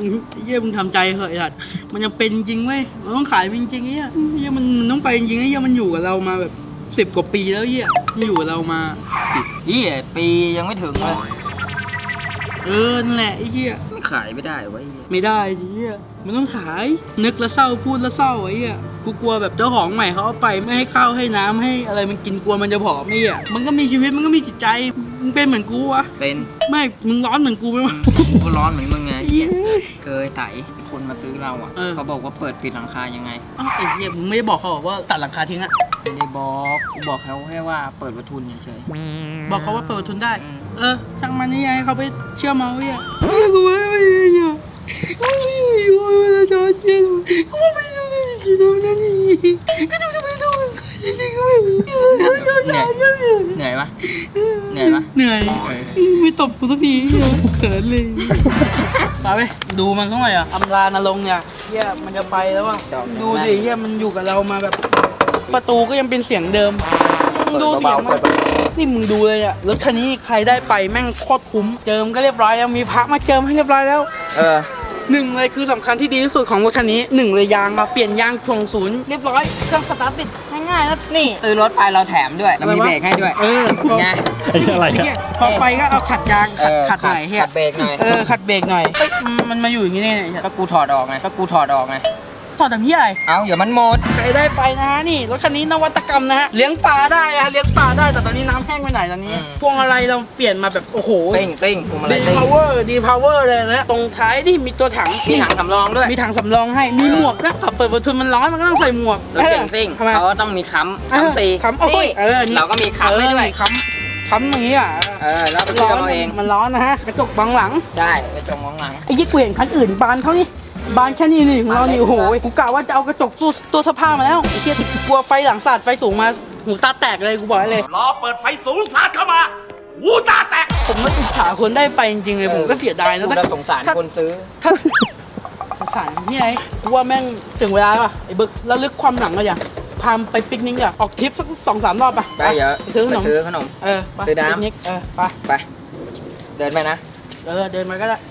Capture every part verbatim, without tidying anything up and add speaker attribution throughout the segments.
Speaker 1: เยี่ยมึงทำใจเหอะไอ้สัตว์มันยังเป็นจริงเว้ยมันต้องขายจริงๆเงี้ยเยี่ยมันมันต้องไปจริงๆเงี้ยมันอยู่กับเรามาแบบสิบกว่าปีแล้วเยี่ยอยู่กับเรามา
Speaker 2: เฮียปียังไม่ถึงเลย
Speaker 1: เออนั่นแหละไอ้เหี้ย
Speaker 2: ไม่ขายไม่ได้วะ
Speaker 1: ไม่ได้ไอ้เหี้ยมันต้องขายนึกแล้วเศร้าพูดแล้วเศร้าไอ้เหี้ยกูกลัวแบบเจ้าของใหม่เขาเอาไปไม่ให้ข้าวให้น้ำให้อะไรมันกินกลัวมันจะผอมไอ้เหี้ยมันก็มีชีวิตมันก็มีจิตใจมึงเป็นเหมือนกูวะ
Speaker 2: เป็น
Speaker 1: ไม่มึงร้อนเหมือนกูไหมวะ
Speaker 2: กูร้อนเหมือนมึงไง
Speaker 1: เหี้ย
Speaker 2: เคยไถคนมาซื้อเราอ่ะ
Speaker 1: เออ
Speaker 2: เขาบอกว่าเปิดปิดหลังคายังไง
Speaker 1: อ้าวไอ้เหี้ยมึงไม่ได้บอกเขาบอกว่าตัดหลังคาทิ้งอะ
Speaker 2: ไม่ได้บอกกูบอกเขาแค่ว่าเปิดประทุนเฉย
Speaker 1: บอกเขาว่าเปิดประทุนได้
Speaker 2: อืม
Speaker 1: เออช่างมันนี่ไงเขาไปเชื่อมเอาไอ้เหี้ยเฮ้ยกูไม่ไม่ไม่เหี้ยกูไม่อยู่แล้วจะเชื่อกูไม่รู้จะทำยังไงกูจะไม่ทำจริงๆกูไม่รู้
Speaker 2: เหนื่อยเหนื่อยปะเหนื่อยปะ
Speaker 1: เหนื่อยไม่ตบกูสักทีเขินเลยไปไปดูมันสักหน่อยอ่ะอำลานรงค์เนี่ยเฮียมันจะไปแล้วว่ะดูดิเฮียมันอยู่กับเรามาแบบประตูก็ยังเป็นเสียงเดิมดูเสียงมันนี่มึงดูเลยอ่ะรถคันนี้ใครได้ไปแม่งโคตรคุ้มเจิมก็เรียบร้อยแล้วมีพระมาเจิมให้เรียบร้อยแล้ว
Speaker 2: เออ
Speaker 1: หนึ่งเลยคือสำคัญที่ดีที่สุดของรถคันนี้หนึ่งเลยยางมาเปลี่ยนยางถ่วงศูนย์เรียบร้อยเครื่องสตาร์ทติดง่ายๆนะนี่
Speaker 2: ซื้อรถไปเราแถมด้วยเรามีเบรกให้ด้วย
Speaker 1: เออ
Speaker 2: ไง
Speaker 3: ไอ้อะไร
Speaker 1: ไอ้
Speaker 3: อะ
Speaker 1: เหี้ยพอไปก็เอาขัดยาง
Speaker 2: เอ
Speaker 1: ขัด
Speaker 2: อ
Speaker 1: ขัดหน่อยเฮีย
Speaker 2: ขัดเบรกหน่อย
Speaker 1: เออขัดเบรกหน่อยเอ้ยมันมาอยู่อย่างนี้เนี่ย
Speaker 2: ก็กูถอดออกไงก็กูถอดออกไง
Speaker 1: ถอดทำเฮียอะไร
Speaker 2: เอาเดี๋ยวมันหมด
Speaker 1: ใครได้ไปนะฮะนี่รถคันนี้นวัตกรรมนะฮะเลี้ยงปลาได้นะเลี้ยงปลาได้แต่ตอนนี้น้ำแห้งไปไหนตอนนี้
Speaker 2: อืม
Speaker 1: พวงอะไรเราเปลี่ยนมาแบบโอ้โห
Speaker 2: ติ้งติ้งพวงมาลั
Speaker 1: ดี
Speaker 2: ยติ้ง
Speaker 1: พาวเวอร์ดีพาวเวอร์เลยนะตรงท้ายนี่มีตัวถัง
Speaker 2: มีถังสำรองด้วย
Speaker 1: มีถังสำรองให้มีหมวกนะขับเปิดประตูมันร้อนมันก็ต้องใส่หมวก
Speaker 2: รถเก่งซิ่ง
Speaker 1: ทำไม
Speaker 2: เขาก็ต้องมีค้ำค้ำตี
Speaker 1: ค้ำโอ้ยเออนี่
Speaker 2: เราก็มีค้ำให้ด้วย
Speaker 1: เออค้ำค้ำอย่างนี้อ่ะ
Speaker 2: เออแล้วไปซื้อกันเอาเอง
Speaker 1: มันร้อนนะฮะกระจกบังหลัง
Speaker 2: ใช่ไปจงมองหลัง
Speaker 1: ไอ้ยี่กูเห็นคันอื่นบานเขานี่บานแค่นี้นี่ของเรานี่
Speaker 2: บานเล็ก
Speaker 1: โอ้โหกูกะว่าจะเอากระจกตู้ตัวสภาพมาแล้วไอ้เหี้ยกลัวไฟหลังสาดไฟสูงมาหูตาแตกเลยกูบอกให้เลย
Speaker 4: รอเปิดไฟสูงสาดเข้ามาหูตาแตก
Speaker 1: ผมก็อิจฉาคนได้ไปจริงๆเลยผมก็เสียดายนะ
Speaker 2: กูจะสงสารคนซื้อ
Speaker 1: ถ้าสงสารที่ไหนกูว่าแม่งถึงเวลาป่ะไอ้บึกแล้วลึกความหลังอะอย่างพามไปปิกนิกอะออกทริปสักสองสามรอบป่ะ
Speaker 2: ได้เยอะ
Speaker 1: ไปซื้อขนม
Speaker 2: ไปซื้อขนม
Speaker 1: เออไป
Speaker 2: ซื้อน้ำ
Speaker 1: ปิกนิกเออไป
Speaker 2: ไป เดินไปนะ
Speaker 1: เออเดินมาก็ได้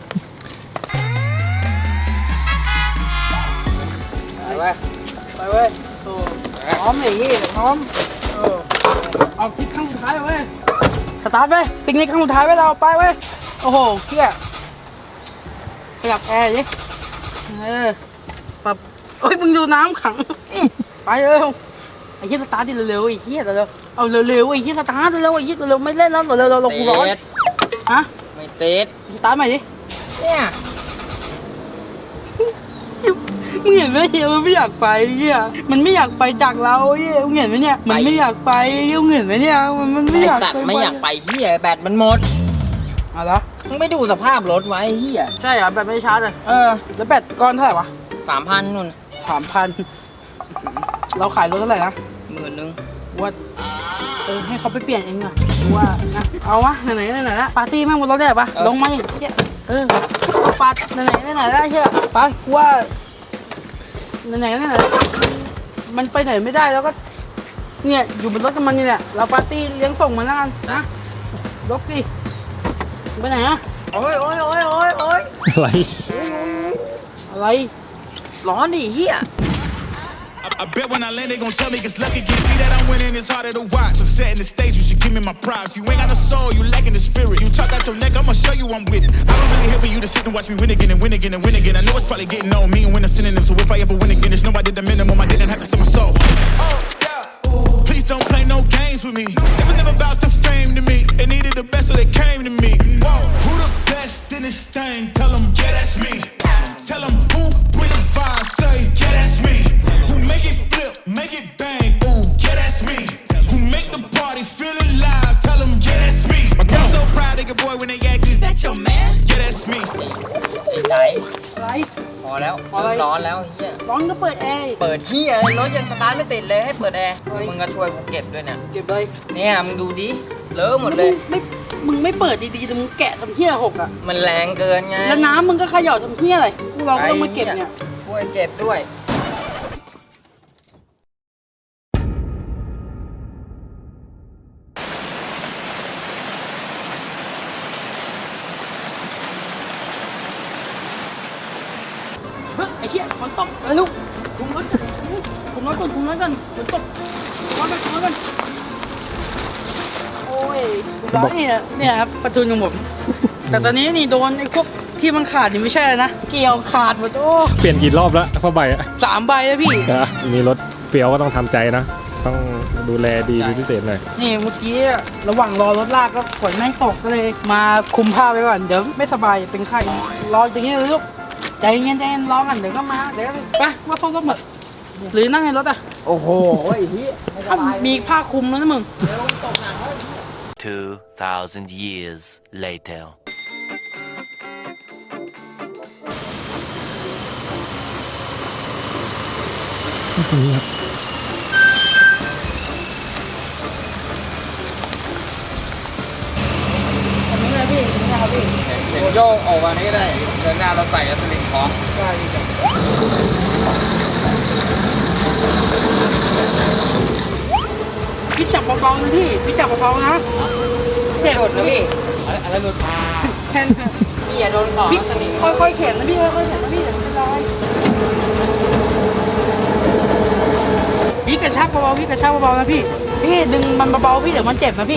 Speaker 2: ไปเว้ย
Speaker 1: ไปเว้ยโอ้พร้อมไอ้เหี้ยพร้อมเออออกทริปครั้งสุดท้ายเว้ยสตาร์ทเว้ยปิกนิกครั้งสุดท้ายเว้ยเราไปเว้ยโอ้โหเหี้ยขยับแอร์ดิเออปรับเฮ้ยมึงดูน้ำขังไปเร็วไอ้เหี้ยสตาร์ทดิเร็วๆไอ้เหี้ยเร็วๆเอาเร็วๆไอ้เหี้ยสตาร์ทเร็วๆไอ้เหี้ยเร็วๆไม่เล่นแล้วเร็วๆเรากูร้อน
Speaker 2: เตะ
Speaker 1: ฮะ
Speaker 2: ไม่ติด
Speaker 1: สตาร์ทใหม่ดิ
Speaker 2: เนี่ย
Speaker 1: มึงเห็นไหมเฮียมันไม่อยากไปเฮียมันไม่อยากไปจากเราเฮียมึงเห็นไหมเนี่ยมันไม่อยากไปเฮียมึงเห็นไหมเนี่ยมันมันไม่
Speaker 2: ไอ
Speaker 1: อยาก
Speaker 2: สัตว์
Speaker 1: ไป
Speaker 2: ไม่อยากไปเฮียแบตมันหมด
Speaker 1: เอะไรอ
Speaker 2: มึงไม่ดูสภาพรถไว้เฮีย
Speaker 1: ใช่เหรอแบตไม่ชาร์จเลย
Speaker 2: เออ
Speaker 1: แล้วแบตก้อนเท่าไหร่วะ
Speaker 2: สามพันนู่น
Speaker 1: สามพันเราขายรถเท่าไหร่นะ
Speaker 2: หมื่นนึง
Speaker 1: ว่าเออให้เขาไปเปลี่ยนเองอะว่านะเอาวะไหนๆไหนๆละปาร์ตี้แม่งบนรถได้ปะลงมาอย่างเงี้ยเออปาร์ไหนๆไหนๆได้เชื่อไปกูว่าไหนๆไหนๆมันไปไหนไม่ได้แล้วก็เนี่ยอยู่บนรถกับมันนี่แหละเราปาร์ตี้เลี้ยงส่งมันแล้วกันนะรถดิไปไหนอะ
Speaker 2: โอ้ยโอ้ยโอ้ยโอ้ยโอ้ย
Speaker 3: อะไร
Speaker 1: อะไร
Speaker 2: ร้อนดิเฮีย
Speaker 5: I bet when I land, they gon' tell me it's lucky. Can see that I'm winning, it's harder to watch. I'm setting the stage, you should give me my props. You ain't got no soul, you lacking the spirit. You talk out your neck, I'ma show you I'm with it. I don't really here for you to sit and watch me win again and win again and win again. I know it's probably getting on me and when I'm sending them. So if I ever win again, it's nobody did the minimum. I didn't have to sell my soul. Oh, yeah. Ooh. Please don't play no games with me. It was never about the fame to me. They needed the best, so they came to me. Whoa. Who the best in this thing? Tell them, yeah, that's me. Tell them who bring the vibe, say, yeah, that's me. Make it flip, make it bang, ooh, yeah, that's me. Who make the party feel alive, tell them, yeah, that's me. My girl so proud, they get boy when they ask, is that your man? Yeah, that's me.
Speaker 2: ไอ้ใจ
Speaker 1: อะไร
Speaker 2: พอแล้ว
Speaker 1: อะไร
Speaker 2: ร้อนแล้วเฮีย
Speaker 1: ร้อนก็เปิดแอร์
Speaker 2: เปิดเฮียอะไรรถยังสตาร์ทไม่ติดเลยให้เปิดแอร์มึงก็ช่วยกูเก็บด้วยเนี่ย
Speaker 1: เก็บเลย
Speaker 2: เนี่ยมึงดูดิเลอะหมดเลย
Speaker 1: ไม่มึงไม่เปิดดีๆแต่มึงแกะทำเหี้ยหกอ่ะ
Speaker 2: มันแรงเกินไง
Speaker 1: แล้วน้ำมึงก็เขย่าทำเหี้ยอะไรกูเราก็ต้องมาเก็บเนี่ย
Speaker 2: ช่วยเก็บด้วย
Speaker 1: ตกไปลูกคุมรถคุมรถก่อนคุมรถก่อนฝนตกคุมรถก่อนคุมรถก่อนโอ้ยร้อนเนี่ยเนี่ยครับประทุนของผมแต่ตอนนี้นี่โดนไอ้พวกที่มันขาดนี่ไม่ใช่นะเกี่ยวขาดหมดโอ้
Speaker 3: เปลี่ยนกี่รอบแล้วผ้าใบอะ
Speaker 1: สามใบแล้วพี่
Speaker 3: อ่ะมีรถเปรียวก็ต้องทำใจนะ ต้องดูแลดีเป็นพิเศษหน่อย
Speaker 1: นี่เมื่อกี้ระหว่างรอรถลากก็ฝนแม่งตกก็เลย มาคุมผ้าไว้ก่อนเดี๋ยวไม่สบายเป็นไข้รออย่างนี้เลยลูกใจเย็นใจเย็นรอกันเดี๋ยวก็มาเดี๋ยวไปว่าเข้ารถหมดหรือนั่งในรถอ่ะ
Speaker 2: โอ้โหไอ้เหี้ย
Speaker 1: อ้าวมีผ้าคลุมแล้วนะมึง
Speaker 6: Two thousand years later.
Speaker 1: อันนี้เลยพี่อันนี้นะครับพี่
Speaker 2: เดี๋ยวโยกออกมานี่ได้เดินหน้าเราใส่สลิงคล้อง
Speaker 1: ได้พี่จ้ะพี่จับเบาๆนะพี่พี่จับเบาๆนะเจ็บ
Speaker 2: หลุดนะพี่
Speaker 1: อะไรหลุดแค่
Speaker 2: พี่อย่าโดนของ
Speaker 1: พี่
Speaker 2: สลิง
Speaker 1: ค่อยๆเข็นนะพี่ค่อยๆเข็นนะพี่เดี๋ยวมันลอยพี่กระชากเบาๆพี่กระชากเบาๆนะพี่พี่ดึงมันเบาๆพี่เดี๋ยวมันเจ็บนะพี่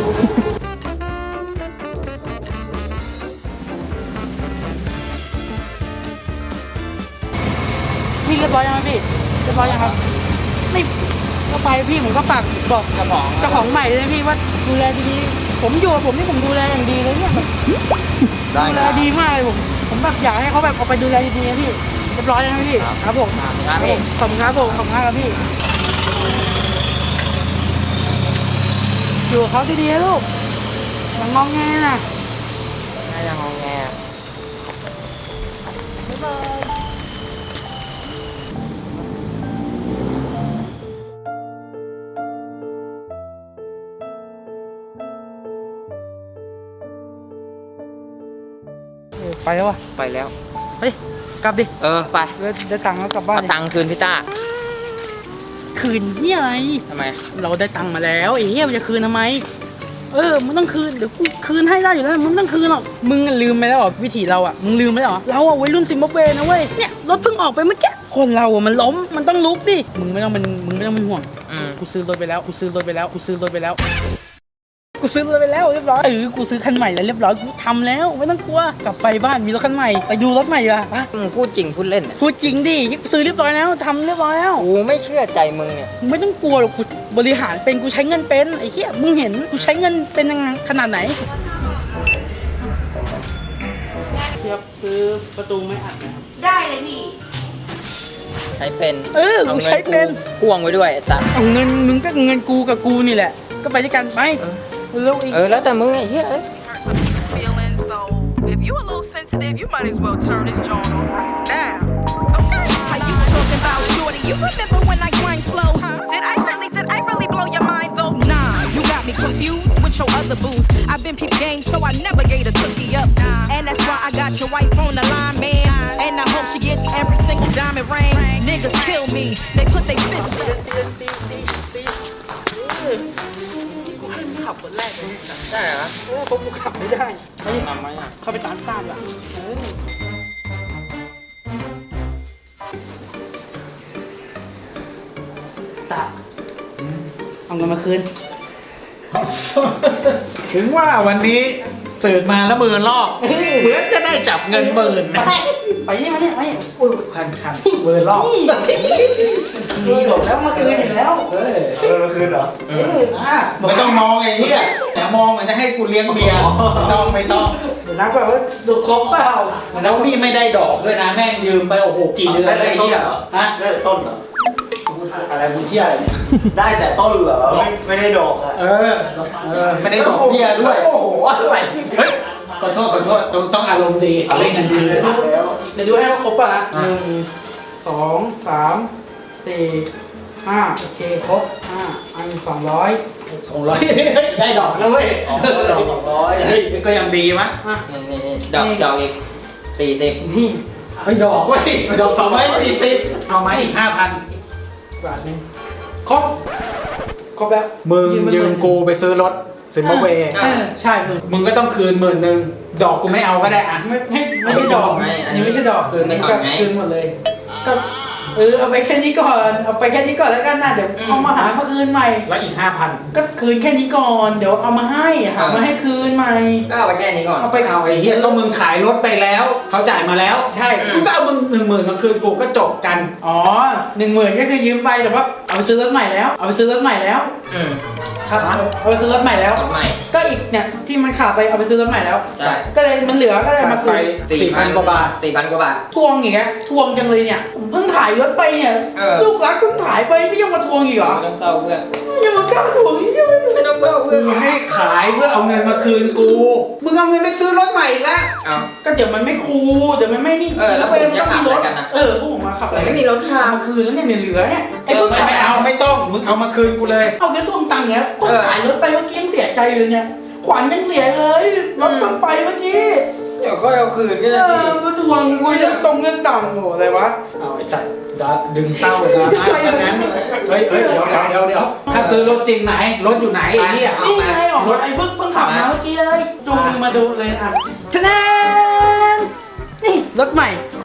Speaker 1: พี่เรียบร้อยยังพี่เรียบร้อยยังครับไม่ก็ไปพี่ผมก็ฝากบอก
Speaker 2: กระป๋อง
Speaker 1: เจ้าของใหม่เลยนะพี่ว่าดูแลดีๆผมอยู่กับผมนี่ผมดูแลอย่างดีเลยเนี่ยแบบดูแลดีมากเลยผมผมแบบอยากให้เขาแบบเอาไปดูแลดีๆนะพี่เรียบร้อยแล้วนะพี่ครับผม
Speaker 2: ครับพี่
Speaker 1: ขอบคุณครับผมขอบคุณมากครับพี่อยู่กับเขาดีๆนะลูกอย่างงองแงนะ
Speaker 2: น่าจะงงแง
Speaker 1: บ๊ายบายเออไปแล้ววะ
Speaker 2: ไปแล้ว
Speaker 1: เฮ้ยกลับดิ
Speaker 2: เออไป
Speaker 1: เดี๋ยวเดี๋ยวตังค์แล้วกลับบ้าน
Speaker 2: เอา
Speaker 1: ดิ
Speaker 2: ตังค์คืนพี่ต้า
Speaker 1: คืนเฮียอะไร
Speaker 2: ทำไม
Speaker 1: เราได้ตังค์มาแล้วไอ้เฮียมันจะคืนทำไม เออมึงต้องคืนเดี๋ยวกูคืนให้ได้อยู่แล้วมึงไม่ต้องคืนหรอกมึงลืมไปแล้วเหรอวิถีเราอ่ะมึงลืมไปแล้วเหรอเราอ่ะวัยรุ่นซิมบับเวนะเว้ยเนี่ยรถเพิ่งออกไปเมื่อกี้คนเราอ่ะมันล้มมันต้องลุกดิมึงไม่ต้องเป็นมึงไม่ต้องเป็นห่วง
Speaker 2: อืม
Speaker 1: กูซื้อรถไปแล้วกูซื้อรถไปแล้วกูซื้อรถไปแล้วกูซื้อรถไปแล้วเรียบร้อยเออกูซื้อคันใหม่แล้วเรียบร้อยกูทำแล้วไม่ต้องกลัวกลับไปบ้านมีรถคันใหม่ไปดูรถใหม่อ่ะไป
Speaker 2: มึงพูดจริงพูดเล่นเนี่ย
Speaker 1: พูดจริงดิซื้อเรียบร้อยแล้วทำเรียบร้อยแล้ว
Speaker 2: กูไม่เชื่อใจมึงเนี่ย
Speaker 1: มึงไม่ต้องกลัวหรอกกูบริหารเป็นกูใช้เงินเป็นไอ้เหี้ยมึงเห็นกูใช้เงินเป็นยังไงขนาดไหนเทียบซื้อประตูไม่อัดนะครับ
Speaker 7: ได้เลยพี่
Speaker 2: ใช้เป็น
Speaker 1: เออกูใช้เป็น
Speaker 2: พ่วงไว้ด้วยไอ้สัตว์
Speaker 1: เอาเงินมึงก็เงินกูกับกูนี่แหละ ก็ไปด้วยกันไปเร็วอีก
Speaker 2: เออแล้วแต่มึงไอ้เหี้ยเอ้ย
Speaker 7: hurt some people's feelings, so if you a little sensitive, you might as well turn this joint off right now. Okay. How you talking about shorty? You remember when I grind slow? Did I really, did I really blow your mind though? Nah, you got me confused with your other booze. I've been peep game, so I never gave a cookie up. And that's why I got your wife on the line, man. And I hope she gets every single diamond ring. Niggas kill me, they put their fists
Speaker 1: ตี
Speaker 7: up.
Speaker 1: ตีตีตีตีเออกูให้มึงขับคนแรกเลย
Speaker 2: ได้เหรอ
Speaker 1: เออเพราะกูขับไม่ได้ไป
Speaker 2: ทำไหมอ่ะ
Speaker 1: เข้าไปตามตามอ่ะเออตาเอาเงินมาคืน
Speaker 8: ถึงว่าวันนี้ตื่นมาแล้วมือลอกเหมือนจะได้จับเงินหมื่นนะ
Speaker 1: ไปนี่มาเนี่ยไป
Speaker 8: อุ้ยคันคันมือลอก
Speaker 1: นี่หลบแล้วมาคืนอยู่แล้ว
Speaker 8: เฮ้ยเอามาคืนเหรอ
Speaker 1: เออ
Speaker 8: อ่ะไม่ต้องมองไอ้เหี้ยแต่มองเหมือนจะให้กูเลี้ยงเบียร์ไม่ต้องไม่ต้อง
Speaker 1: เดี๋ยวนับก่อนว่าดูครบเปล่า
Speaker 8: แล้วนี่ไม่ได้ดอกด้วยนะแม่งยืมไปโอ้โหกี่เดือนแล้วไอ้เหี้ยฮะ
Speaker 9: ได้แต่ต้นเหรอ
Speaker 8: อะไรมึงเหี้ยอะไรเนี่ย
Speaker 9: ได้แต่ต้นเหรอ ไม่ไม่ได้ดอกอะ
Speaker 8: เออเออไม่ได้ดอกเบี้ยด้วย
Speaker 9: โอ้โหอะไรเฮ้ย
Speaker 8: ขอโทษขอโทษต้องต้องอารมณ์ดีเล่นกันดีเลย
Speaker 9: แล้ว
Speaker 1: เดี๋ยวดูให้ว่าครบป่ะนะ
Speaker 8: อ่ะ
Speaker 1: หนึ่งสองสามสี่ห้าโอเคครบห้าอันสองร้อย
Speaker 8: สองร้อยได้ดอกแล้วเว้ย
Speaker 9: ออกดอกสองร้อย
Speaker 8: เฮ้ยก็ยังดีมั้ย
Speaker 1: อ่ะ
Speaker 2: นี่นี่นี่ดอกดอกอีกสี่สิบ
Speaker 1: นี่
Speaker 8: ไม่ดอกเว้ยดอกสองร้อยสี่สิบเอาไหมอีกห้าพัน
Speaker 1: บาทหนึงครบครบแล้ว
Speaker 8: มึงยืมกูไปซื้อรถซิมบับเว
Speaker 1: เออใช่มึง
Speaker 8: มึงก็ต้องคืนหมื่นหนึ่งดอกกูไม่เอาก็ได้อะ
Speaker 1: ไม่ไม่ไม่ใช่ดอก
Speaker 2: ไม่อัน
Speaker 1: นี่
Speaker 2: นี้
Speaker 1: ไม่ใช่ดอก
Speaker 2: คือไม่ทำไง
Speaker 1: คืนหมดเลยก็เออเอาไปแค่นี้ก่อนเอาไปแค่นี้ก่อนแล้วกันนะเดี๋ยวเอามาหามาคืนใหม่
Speaker 8: แล้วอีกห้าพัน
Speaker 1: ก็คืนแค่นี้ก่อนเดี๋ยวเอามาให้หามาให้คืนใหม่
Speaker 2: ก็เอาไปแค่นี้ก่อน
Speaker 1: เอาไป
Speaker 8: เอาไอ้เหี้ยก็มึงขายรถไปแล้วเขาจ่ายมาแล้ว
Speaker 1: ใช่
Speaker 8: มึงก็เอามึงหนึ่งหมื่นมาคืนกูก็จบกัน
Speaker 1: อ๋อหนึ่งหมื่นก็คือยืมไปแต่ว่าเอาไปซื้อรถใหม่แล้วเอาไปซื้อรถใหม่แล้ว
Speaker 2: อืม
Speaker 1: ครับเอาไปซื้อรถใหม่แล้ว
Speaker 2: รถใหม่
Speaker 1: ก็อีกเนี่ยที่มันขาดไปเอาไปซื้อรถใหม่แล้ว
Speaker 2: ใช่
Speaker 1: ก็เลยมันเหลือก็เลยมาคืน
Speaker 8: สี่พันกว่าบาท
Speaker 2: สี่พันกว่าบาท
Speaker 1: ทวงอีกแล้วทวงจังเลยเนี่ยผมเพิ่งขายรถไปเนี่ย
Speaker 2: เออ
Speaker 1: ลูกรักเพิ่งขายไปไม่ยังมาทวงอีกเหรอ
Speaker 2: ไม่ต้องเศร้าเพื่อน
Speaker 1: ยังมากล้าทวงอีกยังไม่
Speaker 2: ไม่ต้องเศร้าเพื่อน
Speaker 8: มึงให้ขายเพื่อเอาเงินมาคืนกู มึงเอาเงินไปซื้อรถใหม่อีกแล้ว
Speaker 2: เอา
Speaker 1: ก็เดี๋ยวมันไม่คูลเดี๋ยวมันไม่นี่
Speaker 2: เออแล้วผมจะขับอะไรกันนะ
Speaker 1: เออพวกผมมาขับอะไร
Speaker 2: ไม่มีรถขับ
Speaker 1: มาคืนแล้วเนี่ยเหลือเนี่ยไอ้
Speaker 2: เออ
Speaker 1: เพิ่ง
Speaker 8: ไม่
Speaker 1: ขาย
Speaker 8: ไม่เอาไม่ต้อง มึงเอามาคืนกูเลย
Speaker 1: เอาแค่ทวงตังค์เนี่ยเพิ่ง
Speaker 2: เออ
Speaker 1: ขายรถไปเมื่อกี้ยังเสียใจเลยเนี่ยขวัญยังเสียเลยรถเพิ่งไปเมื่อกี้
Speaker 2: เดี๋ยวค่อยเอาคืนก็
Speaker 1: เอ
Speaker 2: ได้พี่
Speaker 1: อมาทวงกูจะตรงเงินต่ำโหอะไรวะ
Speaker 8: เอาไอ้สัตว์ดัดดึงเต้านะถ้างั้นเฮ้ยเฮ้ยเดี๋ยวเดี๋ยวเดี๋ยวเดี๋ยวถ้าซื้อรถจริงไหน รถอยู่ไหนไอ้เหี้ย
Speaker 1: นี่ไงออกรถไอ้เพิ่งเพิ่งขับมาเมื่อกี้เลยจูงมือมาดูเลยอ่ะคะแนนนี่รถใหม่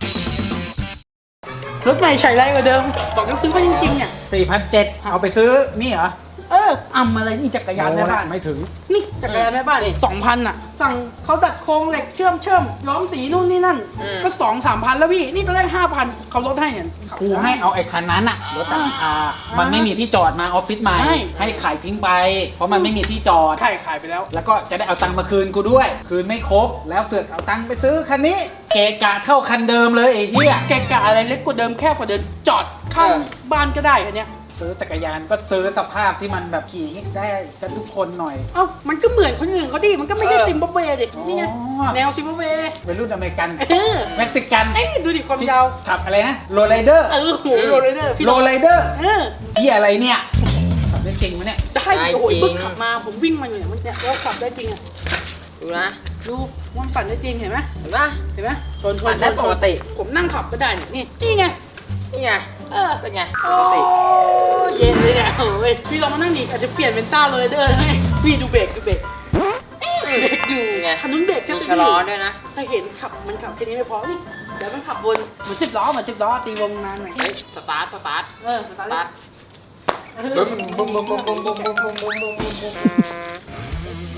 Speaker 1: รถใหม่ใช้ไรกว่าเดิมบอกจะซื้อมาจริงๆเนี่ย
Speaker 8: สี่พันเจ็ดเอาไปซื้อนี่เหรอ
Speaker 1: เอออำอะไรนี่จักรยานแม่บ้าน
Speaker 8: ไม่ถึง
Speaker 1: นี่จักรยานแม่บ้านสองพันอ่ะ สั่งเขาจัดโครงเหล็กเชื่อมเชื่อมย้อมสีนู่นนี่นั่น ก็สองสามพันแล้วพี่ นี่ตอนแรกห้าพันเขาลดให้เนี่ย
Speaker 8: กูให้เอาไอ้คันนั้นอะรถราคามันไม่มีที่จอดมาออฟฟิศใหม่
Speaker 1: ใช่
Speaker 8: ให้ขายทิ้งไป เพราะมันไม่มีที่จอด
Speaker 1: ขายขายไปแล้ว
Speaker 8: แล้วก็จะได้เอาตังค์มาคืนกูด้วย คืนไม่ครบ แล้วเสือกเอาตังค์ไปซื้อคันนี้ เกะกะเท่าคันเดิมเลยไอ้เหี้ย
Speaker 1: แกกะอะไรเล็กกว่าเดิมแคบกว่าเดิมจอดข้างบ้านก็ได้อันเนี้ย
Speaker 8: ซื้อจักรยานก็ซื้อสภาพที่มันแบบขี่ได้กันทุกคนหน่อย
Speaker 1: เอ้ามันก็เหมือนคนอื่นเขาดิมันก็ไม่ใช่
Speaker 2: เออ
Speaker 1: ซิมบับเวดินี่ไง
Speaker 8: อ๋อ
Speaker 1: แนวซิมบับเว
Speaker 8: วัยรุ่นอเมริกัน
Speaker 1: เออ
Speaker 8: เม็กซิกัน
Speaker 1: เอ้ยดูดิความ
Speaker 8: ที่
Speaker 1: ยาว
Speaker 8: ขับอะไรนะโรลไรเดอร์
Speaker 1: เออโหโรลเลอร์พี่
Speaker 8: โรลไรเดอร์
Speaker 1: เออ
Speaker 8: ที่อะไรเนี่ยขับได้จริงวะเนี่ย
Speaker 1: ได้โอ้ยบึ้งขับมาผมวิ่งมาอยู่เนี่ยมันเนี่ยแล้วขับได้จริงอ่ะ
Speaker 2: ดูนะ
Speaker 1: ดูมันปั่นได้จริงเห็นไหม
Speaker 2: เห็นปะ
Speaker 1: เห็นไหมชนช
Speaker 2: ปั่
Speaker 1: น
Speaker 2: นได้
Speaker 1: ชน
Speaker 2: ปกติ
Speaker 1: ผมนั่งขับก็ได้เนี่ยนี่นี่ไง
Speaker 2: นี่ไง
Speaker 1: เออ
Speaker 2: เป็นไง ป
Speaker 1: โอ้
Speaker 2: กติ
Speaker 1: เย็นเลยเนี่ยโอ้ยพี่ลองมานั่งดิอาจจะเปลี่ยนเป็นต้าเลยเด้อให้พี่ดูเบรกดูเบรกเบรกอยู่
Speaker 2: ไง
Speaker 1: คันนู้นเบรกแค่
Speaker 2: มี
Speaker 1: นี้
Speaker 2: ชะลอด้วยนะ
Speaker 1: ถ้าเห็นขับมันขับแค่นี้ไม่พอนี่เดี๋ยวมันขับวนเหมือนสิบล้อเหมือนสิบล้อตีวงนานหน่อย
Speaker 2: เฮ้ย สตาร์ท สตาร์ท
Speaker 1: เออส
Speaker 2: ส
Speaker 1: ตาร์
Speaker 2: ตาร์ท
Speaker 1: ทเออ
Speaker 2: บึ้มบึ้มบึ้มบึ้มบึ้มบึ้มบึ้มบึ้มบึ้มบึ้มบึ้มบึ้ม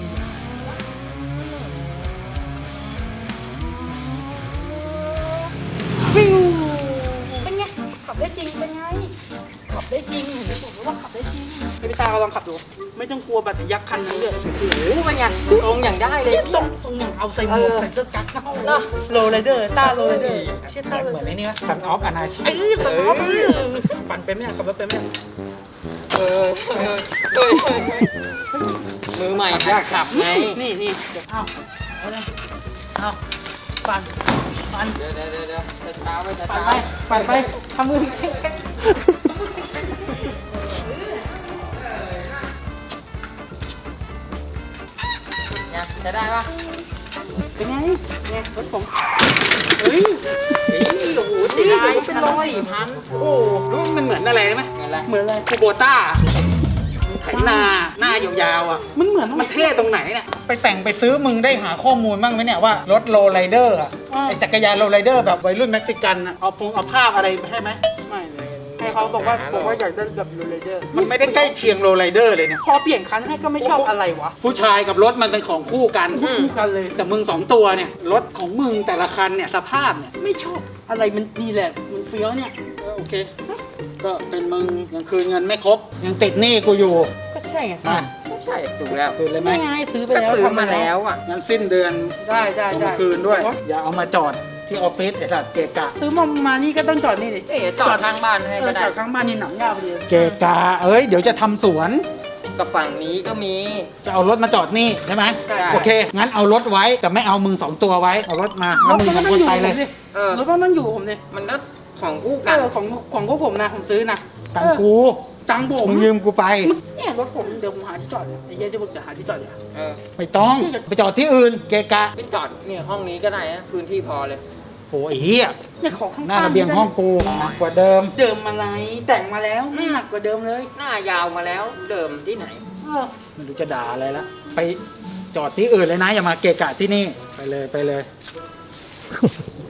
Speaker 1: ฟิวเป็นไงขับได้จริงเป็นไงขับได้จริงเห็นไหมผมว่าขับได้จริงให้พี่ตาก็ลองขับดูไม่ต้องกลัวแบบยักษ์คันนั้นเลยโอ้โห
Speaker 2: โอ้เป็นไงตรงอย่างได้เลย
Speaker 1: ตรงตรงอย่างเอาใส่หมวก
Speaker 2: เออ
Speaker 1: ใส่เสื้อกั๊กนะ
Speaker 2: เนอะ
Speaker 1: โรลไรเดอร์ต้าโรลไรเดอร์เชี่ยต้า
Speaker 8: เหมือนไอ้นี่นะสันออฟอนาชี
Speaker 1: ไอ้ยสมองปั่นเป็นไหมอะขับรถเป็นไหมอะ
Speaker 2: เออเออเออเออมือใหม่หัดขับไง
Speaker 1: นี่นี่เดี๋ยวเอาเอาเลยเอาปั่นปั่น
Speaker 2: เดี๋ยวเดี๋ยวเดี๋ยวเดี๋ยวช้าๆไปช้า
Speaker 1: ปั่น
Speaker 2: ๆ
Speaker 1: ไปปั่นไปทำมือ
Speaker 2: เนี่ยจะได้ปะ
Speaker 1: เป็นไงไงรถผมเฮ้ย
Speaker 2: เฮ้ยโอ้โหเสียดาย
Speaker 1: เป็นรอย
Speaker 2: สี่พัน
Speaker 1: โอ้โหรู้มันเหมือนอะไรรู้ไหม
Speaker 2: เงินอะไร
Speaker 1: เหมือนอะไรคูโบต้าไถนาหน้ายาวๆอ่ะมันเหมือนมันเท่ตรงไหนเนี่ย
Speaker 8: ไปแต่งไปซื้อมึงได้หาข้อมูลบ้างไหมเนี่ยว่ารถโรลไรเดอร์อะ
Speaker 1: อ่า
Speaker 8: ไอจักรยานโรลไรเดอร์แบบวัยรุ่นเม็กซิกันอะเอาพงเอาภาพอะไรให้ไหม
Speaker 1: ไม่เลยให้เขาบอกว่าบอกว่าอยากได้แบบโรลเลเดอร์
Speaker 8: มันไม่ได้ใกล้เคียงโรลไรเดอร์เลยเนี่ย
Speaker 1: พอเปลี่ยนคันให้ก็ไม่ชอบอะไรวะ
Speaker 8: ผู้ชายกับรถมันเป็นของคู่กัน
Speaker 1: คู่กันเลย
Speaker 8: แต่มึงสองตัวเนี่ยรถของมึงแต่ละคันเนี่ยสภาพเนี่ย
Speaker 1: ไม่ชอบอะไรมันนี่แหละมันเฟี้ยวเนี่ย
Speaker 8: เออโอเค ก็เป็นมึงยังคืนเงินไม่ครบ ยังติดหนี้กูอยู่
Speaker 1: ก็ใช่ไง
Speaker 8: มา
Speaker 2: ไม่ใช่ถูกแล้ว
Speaker 8: คืนเลยไหม
Speaker 1: ไม่ไงซื้อไป
Speaker 2: ก็
Speaker 1: แล้ว
Speaker 2: ซื้อมาแล้วอ่ะ
Speaker 8: งั้นสิ้นเดือน
Speaker 1: ได้ได้
Speaker 8: เอา
Speaker 1: ได้
Speaker 8: มาคืนด้วย อย่าเอามาจอดที่ออฟฟิศไอ้สัตว์เกะกะ
Speaker 1: ซื้อมามานี่ก็ต้องจอดนี่ดิ
Speaker 2: เอ๊ะจอดข้างบ้านให้
Speaker 1: เอ
Speaker 2: ก็
Speaker 1: อ
Speaker 2: ได้
Speaker 1: จอดข้างบ้านนี่หนังยาวพอดี
Speaker 8: เกะกะเอ้ยเดี๋ยวจะทำสวน
Speaker 2: กับฝั่งนี้ก็มี
Speaker 8: จะเอารถมาจอดนี่ใช่ไหม
Speaker 2: ใช่
Speaker 8: โอเค งั้นเอารถไว้แต่ไม่เอามึงสองตัวไว้ เอารถมาแล้วมึงสองคนไปเลย
Speaker 2: เออ
Speaker 1: รถมันต้องอยู่ผมเนี่ย
Speaker 2: มันก็ของคู่
Speaker 1: เอ
Speaker 2: กัน
Speaker 1: อของของพวกผมนะผมซื้อนะ
Speaker 8: ตังค์กู
Speaker 1: ตังค์ผม
Speaker 8: มึงยืมกูไป
Speaker 1: เนี่ยรถผมเดี๋ยวผมหาที่จอดเลยไอ้เหี้ยจะบอกเดี๋ยวหาที่จอดเดี๋ยว
Speaker 2: เออ
Speaker 8: ไม่ต้องไปจอดที่อื่น เกะกะ
Speaker 2: ไปจอดเนี่ยห้องนี้ก็ได้นะพื้นที่พอเลย
Speaker 8: โอ้ยไอ้เหี้ย
Speaker 1: เนี่ยของข้างๆ
Speaker 8: หน้าระเบียงห้องกูหนักกว่าเดิม
Speaker 1: เดิมอะไรแต่งมาแล้วไม่หนักกว่าเดิมเลย
Speaker 2: หน้ายาวมาแล้วเดิมที่ไหน
Speaker 1: เออ
Speaker 8: ไม่รู้จะด่าอะไรละไปจอดที่อื่นเลยนะ อย่ามาเกะกะที่นี่ไปเลยไปเลย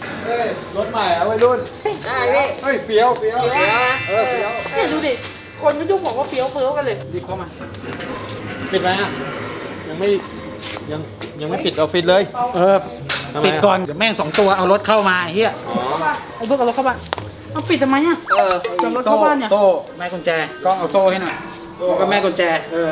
Speaker 8: เฮ้ยรถใหม่เอาไว้รุ่น
Speaker 2: ได้พี่
Speaker 8: เฮ้ยเฟี้ยวเฟี้ยว
Speaker 2: เดี๋ยวนะ
Speaker 8: เออเฟี้ยว
Speaker 1: เนี่ยดูดิ คนก็ยุ่งบอกว่าเฟี้ยวเฟ้อกันเลยรีบเข้ามา
Speaker 8: ปิดไหมอ่ะยังไม่ยังยังไม่ปิดออฟฟิศเลยเออปิดก่อนเดี๋ยวแม่งสองตัวเอารถเข้ามาเฮีย
Speaker 1: ไอ้เบิร์กเอารถเข้าบ้านเอาปิดทำไมอ่ะ
Speaker 2: เออ
Speaker 1: จะรถเข้าบ้านเนี่ย
Speaker 8: โซ่แม่กุญแจกล้องเอาโซ่ให้หน่อยแล้วก็แม่กุญแจเออ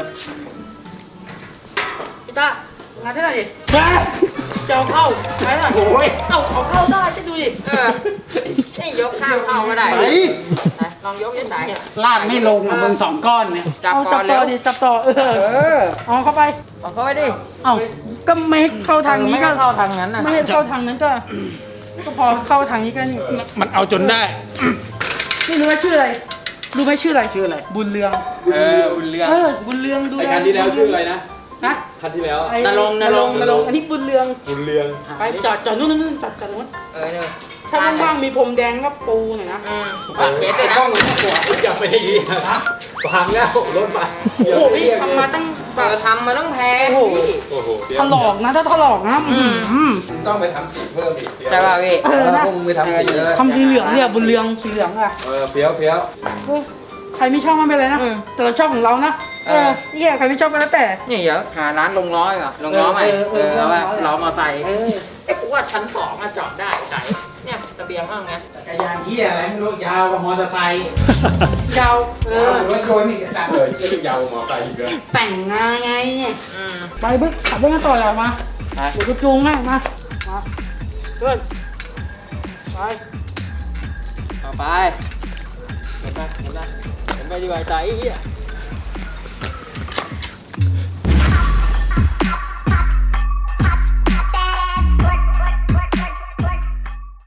Speaker 1: พี่ต้างานที่ไหนดิจะเอาเข้าไหนล่ะ
Speaker 8: โอ้ย
Speaker 1: เอาเอาเข้าได้จะดูดิ
Speaker 2: เออนี่ยกข้ามเข้าก็ได้
Speaker 8: ไป
Speaker 2: ไหนลองยกยังไง
Speaker 8: ลาดไม่ลงอ่ะมึงสองก้อนเนี่ย
Speaker 2: จับ
Speaker 1: เอา
Speaker 2: ก่
Speaker 1: จั
Speaker 2: อบ น
Speaker 1: ต่
Speaker 2: แล้
Speaker 1: อ
Speaker 2: ว
Speaker 1: ดิจับต่อเออ
Speaker 8: เออ
Speaker 1: เอาเข้าไป
Speaker 2: เอาเข้าไปดิ
Speaker 1: เอาก็ไม่เข้าทางนี้
Speaker 2: ไม่
Speaker 1: ก็
Speaker 2: เข้าทางนั้นนะ
Speaker 1: ไม่ให้เข้าทางนั้นก็ก็พอเข้าทางนี้ก็นี่
Speaker 8: มันเอาจนได้
Speaker 1: นี่รู้ไหมชื่ออะไรรู้ไหมชื่ออะไรชื่ออะไรบุญเรือง
Speaker 8: เออบุญเรือง
Speaker 1: เออบุญเรืองดู
Speaker 8: ไอคันที่แล้วชื่ออะไรนะ
Speaker 1: ฮะ
Speaker 8: คันที่แล้ว
Speaker 1: ไอ้
Speaker 2: นรงค์นรงค์
Speaker 1: นรงค์อันนี้บุญเรือง
Speaker 8: บุญเรือง
Speaker 1: ไปจอดจอดนู่นนู่นนู่นจอดจอดนู้น
Speaker 2: เออเนี่ย
Speaker 1: ถ้าว่างๆมีพรมแดงก็ปูหน่อยนะ
Speaker 2: อืมปากเช็ดเลยนะ
Speaker 8: กล้องมันหัวอย่าไปได้ยินนะพังแล้วรถมา
Speaker 1: โอ้โหพี่ทำมาตั้งแบ
Speaker 2: เอบ อทำมาต้องแพง
Speaker 1: โอ้โห
Speaker 2: พี่
Speaker 8: โอ้โห
Speaker 1: ถลอกนะถ้าถลอกนะ
Speaker 2: อืม
Speaker 1: อืม
Speaker 8: ต้องไปทำสีเพิ่มอีก
Speaker 2: ใช่ป่ะพี่
Speaker 1: เออนะ
Speaker 8: พวกมึงไปทำสีเลย
Speaker 1: ทำสีเหลืองเนี่ยบุญเรืองสีเหลืองอ่ะ
Speaker 8: เออเฟี้ยวเฟี้ยว
Speaker 1: เฮ้ยใครไม่ชอบมันเป็นไรนะ
Speaker 2: อืม
Speaker 1: แต่เราชอบของเรานะเออเนี่ยใครไม่ชอบก็แล้วแต่
Speaker 2: นี่เดี๋ยวหาร้านลงร้อยก่อนลงล้อใหม่
Speaker 1: เออ
Speaker 2: เอ
Speaker 1: เออ
Speaker 2: อแล้วว่า
Speaker 1: เออ
Speaker 2: ล้อมอไซค์
Speaker 1: เออ
Speaker 2: เอ้กูว่าชั้นสองอะจอดได้ไก่เนี่ยระเบียงห้องไง
Speaker 8: จักรยานเฮียอะไรไม่รู้ยาวกว่ามอเตอร์ไซค์
Speaker 1: ยาวเออ
Speaker 8: รถยนต์อีกอ่ะเออจะยาวกว่ามอเตอร์ไซค์อีกเลย
Speaker 1: แต่งงานไงเนี่ย
Speaker 2: อืม
Speaker 1: ไปบึ๊กขับรถกันต่อเลยมา
Speaker 2: ไป
Speaker 1: เดี๋ยวกูจูงให้มามาเพื่อนไป
Speaker 2: ต่อไปเห็นปะเห็นปะเห็นไปดีกว่าใจไอ้เหี้ย